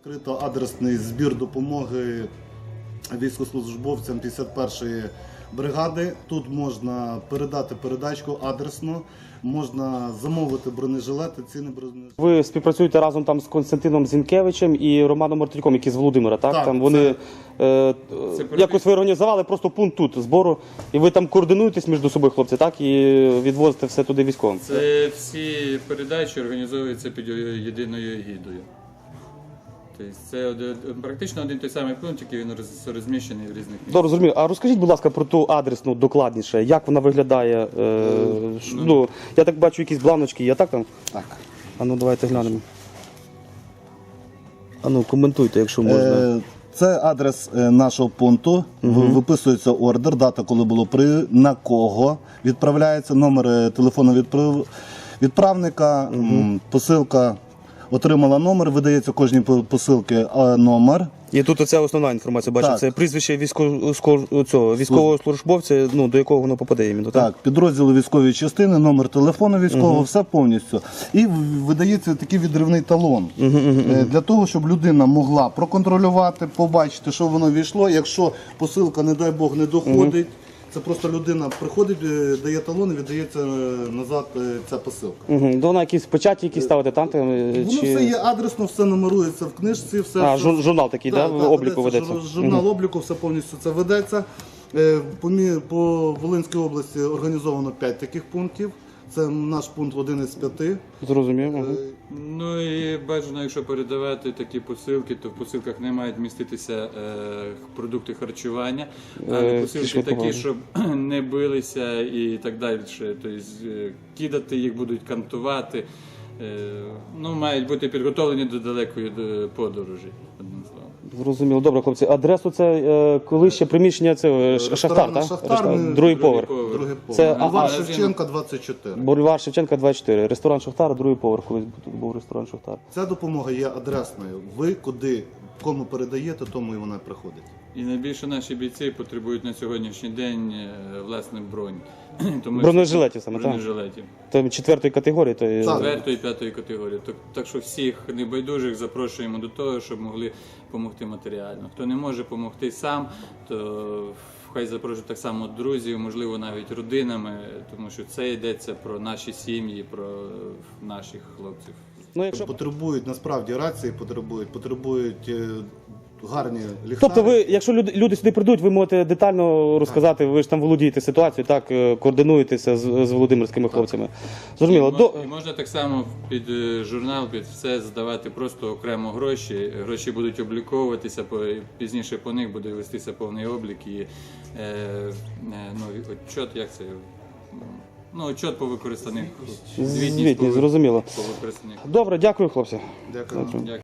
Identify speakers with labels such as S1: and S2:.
S1: Відкрито адресний збір допомоги військовослужбовцям 51-ї бригади. Тут можна передати передачку адресно, можна замовити бронежилети, ціни бронежилети.
S2: Ви співпрацюєте разом там з Константином Зінкевичем і Романом Мартирюком, які з Володимира, так?
S1: Так,
S2: Там вони якось ви організували просто пункт тут збору, і ви там координуєтесь між собою, хлопці, так? І відвозите все туди військовим.
S3: Це всі передачі організовуються під єдиною егідою. Тобто це практично один той самий пункт, який він розміщений в різних місцях.
S2: Добре, зрозумів. А розкажіть, будь ласка, про ту адресну докладніше, як вона виглядає? Я так бачу, якісь бланочки є, так там?
S1: Так.
S2: А ну, давайте глянемо. А ну, коментуйте, якщо можна.
S1: Це адрес нашого пункту, виписується ордер, дата, коли було на кого відправляється, номер телефону відправника, посилка отримала номер, видається кожній посилки номер.
S2: І тут оця основна інформація, бачу,
S1: Так.
S2: це прізвище військового службовця, ну, до якого воно попаде іменно, так?
S1: Так, підрозділи військової частини, номер телефону військового, все повністю. І видається такий відривний талон. Для того, щоб людина могла проконтролювати, побачити, що воно війшло. Якщо посилка, не дай Бог, не доходить, це просто людина приходить, дає талон і віддається назад ця посилка.
S2: До вона якісь печаті якісь ставити там?
S1: Воно все є адресно, все нумерується в книжці. Все,
S2: Журнал такий, да, обліку ведеться?
S1: Журнал обліку, все повністю це ведеться. По Волинській області організовано 5 таких пунктів. Це наш пункт 1 із 5.
S2: Зрозумів.
S3: Ну і бажано, якщо передавати такі посилки, то в посилках не мають міститися продукти харчування, а посилки такі, щоб не билися і так далі. Тобто кидати їх будуть, кантувати. Ну, мають бути підготовлені до далекої подорожі, одним словом.
S2: Зрозуміло. Добре, хлопці. Адресу це коли ще приміщення, це Шахтар, так?
S1: Шахтар,
S2: другий поверх.
S1: Другий
S2: Це
S1: поверх. Бульвар Шевченка, 24.
S2: Бульвар Шевченка, 24. Ресторан Шахтар, другий поверх, колись тут був ресторан Шахтар.
S1: Ця допомога є адресною. Ви куди, кому передаєте, тому і вона приходить.
S3: І найбільше наші бійці потребують на сьогоднішній день власне бронь.
S2: Бронежилетів саме, так?
S3: Бронежилетів.
S2: Це 4-ї категорії? То...
S3: 4-ї і 5-ї категорії. Так що всіх небайдужих запрошуємо до того, щоб могли допомогти матеріально. Хто не може допомогти сам, то хай запрошують так само друзів, можливо навіть родинами, тому що це йдеться про наші сім'ї, про наших хлопців.
S2: Ну, якщо...
S1: Потребують насправді рації, потребують гарні ліхтарі.
S2: Тобто ви, якщо люди сюди прийдуть, ви можете детально розказати, ви ж там володієте ситуацією, так, координуєтеся з володимирськими хлопцями. Зрозуміло.
S3: І можна так само під журнал, під все здавати просто окремо гроші. Гроші будуть обліковуватися, пізніше по них буде вестися повний облік і отчет, як це? Ну, отчет по використаних.
S2: Звітність, зрозуміло.
S3: По використаних.
S2: Добре, дякую, хлопці.
S1: Дякую.